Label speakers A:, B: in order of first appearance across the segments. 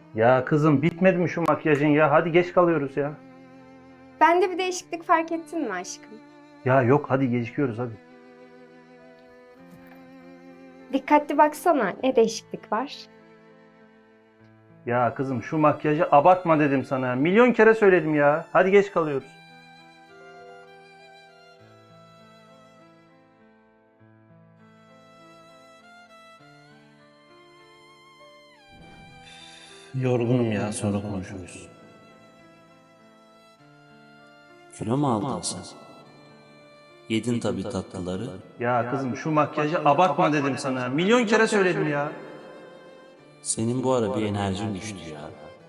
A: Ya kızım bitmedi mi şu makyajın ya? Hadi geç kalıyoruz ya.
B: Bende bir değişiklik fark ettin mi aşkım?
A: Ya yok hadi gecikiyoruz hadi.
B: Dikkatli baksana, ne değişiklik var?
A: Ya kızım şu makyajı abartma dedim sana. Milyon kere söyledim ya. Hadi geç kalıyoruz. Yorgunum ya, sonra konuşuruz.
C: Kilo mu aldın sen? Yedin tabii tatlıları.
A: Ya kızım şu makyajı abartma dedim sana. Milyon kere söyledim ya.
C: Senin bu ara bir enerjin düştü ya.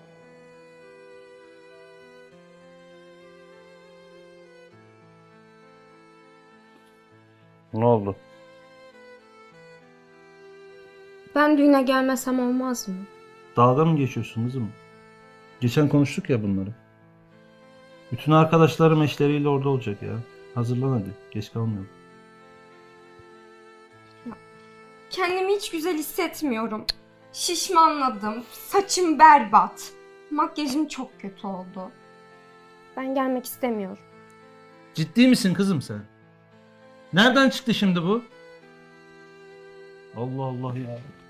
A: Ne oldu?
B: Ben düğüne gelmesem olmaz mı?
A: Dalga mı geçiyorsun kızım? Geçen konuştuk ya bunları. Bütün arkadaşlarım eşleriyle orada olacak ya. Hazırlan hadi. Geç kalmayalım.
B: Kendimi hiç güzel hissetmiyorum. Şişmanladım, saçım berbat. Makyajım çok kötü oldu. Ben gelmek istemiyorum.
A: Ciddi misin kızım sen? Nereden çıktı şimdi bu? Allah Allah ya.